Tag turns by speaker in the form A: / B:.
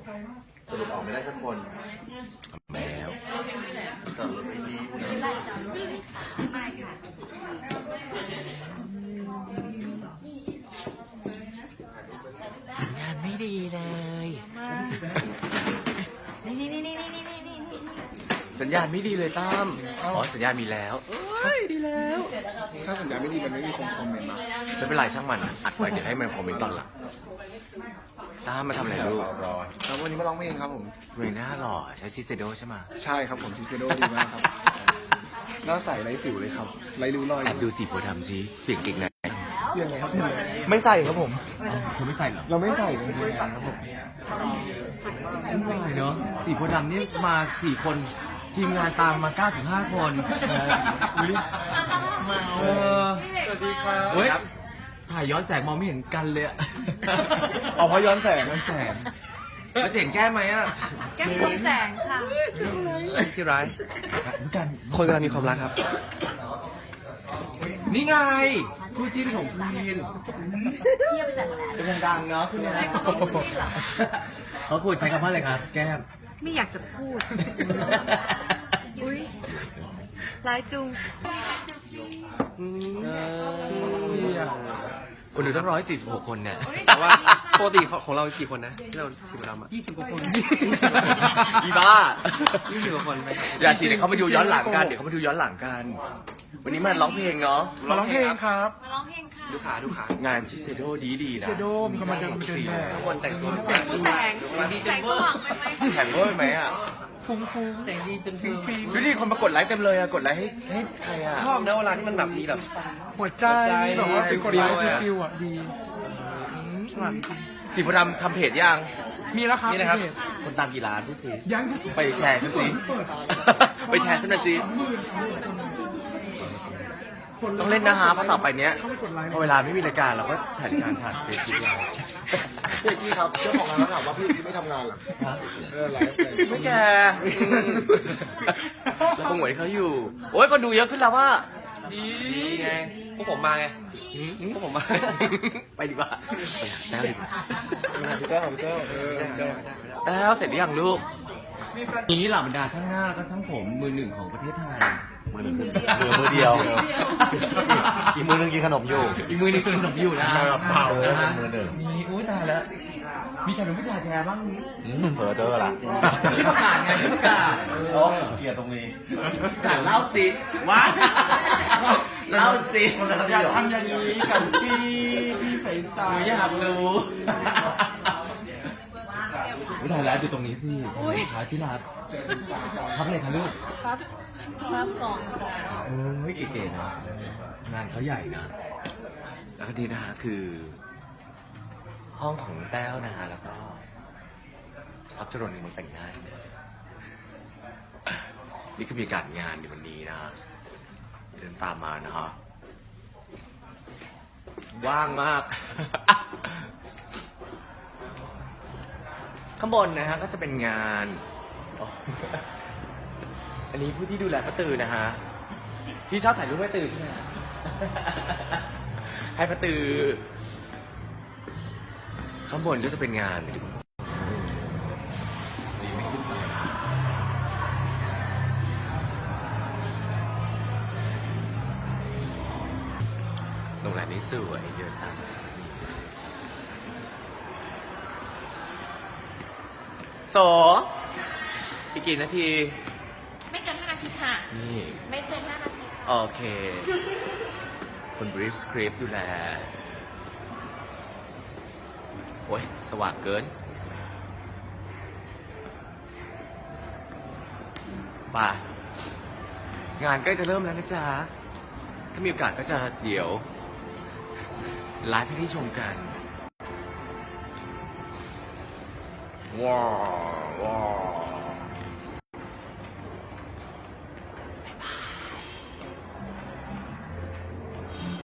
A: สรุปออกไม่ได้สักคน
B: แล้ว
A: แต่รถไม่ดี
B: สัญญาณไม่ดีเลยสัญญาณไม่ดีเลยตั้มอ๋อสัญญาณมีแล้วดีแล้ว
C: ถ้าสัญญาณไม่ดีมันไม่มีคอมเมนต์มา
B: ไม่เป็นไรช่างมันอัดไว้เดี๋ยวให้มันคอมเมนต์ตอนหลังตั้มมาทำอะไรลูก
C: แล้ววันนี้มาร้องเพลงครับผม
B: เพลงหน้าหล่อใช้ซิเซโดใช่ไหม
C: ใช่ครับผมซิเซโดดีมากครับหน้าใสไร้สิวเลยครับไร้ริ้วรอย
B: แอบดูสีโพธิ์ดำสิเปลี่ยนเก่งไหน
C: เปลี่ยนไงครับพี่ไม่ใส่ครับผม
B: เธอไม่ใส่เหรอ
C: เราไม่ใส่ครับผม
B: ไม่ไหวเนาะสีโพธิ์ดำนี่มา4 คนทีมงานตามมา95 คน
C: สวัสดีครับ
B: เฮ้ยถ่ายย้อนแสงมองไม่เห็นกันเลยอะ
C: เอาเพราะย้อนแสง
B: แล้วเห็นแก้ไหมอะ
D: แก้มตรงแสงค่ะ
A: ที่ร้าย
B: เหมือนกัน
A: คนกำลังมีความรักครับ
B: นี่ไงคู่จิ้นของคุณเป็นดังเนาะคุณเนี่ยเขาควรใช้คำว่าอะไรครับแก้ม
D: ไม่อยากจะพูดอุ้ยร้ายจุง
B: คนดูตั้ง146 คนเนี่ย
A: แต่ว่าปกติของเรากี่คนนะที่เราสิบเราอะ
B: 20 กว่าคนอีบ้า
A: 20 กว่าคนไหม
B: อย่าสิเดี๋ยวเขามาดูย้อนหลังกันวันนี้มาร้องเพลงเนาะ
C: มาร้องเพลงครับ
D: มาร้องเพลงค่ะ
A: ดูขาง
B: านชิเซโดดีนะ
C: เซโดมกำลังเดิน
A: ทุกคนแต่งตัว
D: แสงดีจังเวอร์
B: แข่งเวอร์ไหมอ่ะ
C: ฟุ้ง
A: แต่งดีจนฟิล์ม
B: ดูดิคนมากดไลค์เต็มเลยอะกดไลค์ให้ใครอะ
A: ชอบนะเวลาที่มันแบบมีแบบ
C: หัวใจแบบว่าเป็นกดไลค์ฟิวอ่ะดีฉลาด
B: สีพดำทำเพจยัง
C: มีแล้วครับ
B: คนตามกี่ล้านพี่สิ
C: ยัง
B: ไปแชร์ฉันสิไปแชร์ฉันหน่อยสิต้องเล่นนะฮะเพราะต่อไปเนี้ยพอเวลาไม่มีรายการเราก็ถ่ายการผ่านเฟซบุ๊กเรา
C: พี่กี้ครับเจ้าของร้านถามว่าพี่ไม่ทำงานหรอไลฟ์
B: ไม่แกเราคงเหมือนเขาอยู่โอ้ยคนดูเยอะขึ้นแล้วว่า
A: ดีไงพวกผมมาไงพวกผมมา
B: ไปดีกว่าแต้วดีกว่า
C: พี่เจ้า
B: แต้วเสร็จหรือยังลูกนี้เหล่าบรรดาช่างหน้าแล้วก็ช่างผมมือ1ของประเทศไทย
A: มือเดียวอีกมือนึงกินขนมอยู่
B: อีกมือนึงกินขนมอยู่นะ
A: เปล่ามือหนึ่ง
B: มีอุ้ยตายแล้วมีใครเป็นผู้ชายแท้บ้าง
A: เผลอเจอละ
B: ที่ประกาศไงที่ประกาศ
A: โอ้เกลียดตรงนี้
B: ประกาศเล่าสิว้าเล่าสิ
C: อย่าทำอย่างนี้กับพี่ใส่
B: อยากรู้ไม่ได้แล้วอยู่ตรงนี้สิขาที่รักทำอะไรคะลูก
D: ครับก่อน
B: เก๋ๆนะงานเขาใหญ่นะแล้วก็ดีนะฮะคือห้องของแต้วนะฮะแล้วก็พับจรนในมือแต่งหน้านี่คือมีการงานในวันนี้นะเดินตามมานะฮะว่างมากข้างบนนะฮะก็จะเป็นงานอันนี้ผู้ที่ดูแลป้าตือนะฮะที่ชอบถ่ายรูปป้าตือใช่ไหมให้ป้าตือข้างบนก็จะเป็นงานโรงแรมนี้สวยเดินทางโสอีกกี่นาที
D: ไม่เกิน5 นาทีค่ะ
B: นี่
D: ไม่เกิน5 นาทีค่ะ
B: โอเคคนบรีฟสคริปต์ดูแลโอ้ยสว่างเกินป่ะงานใกล้จะเริ่มแล้วนะจ๊ะถ้ามีโอกาสก็จะเดี๋ยวไลฟ์ให้ได้ชมกันว้าว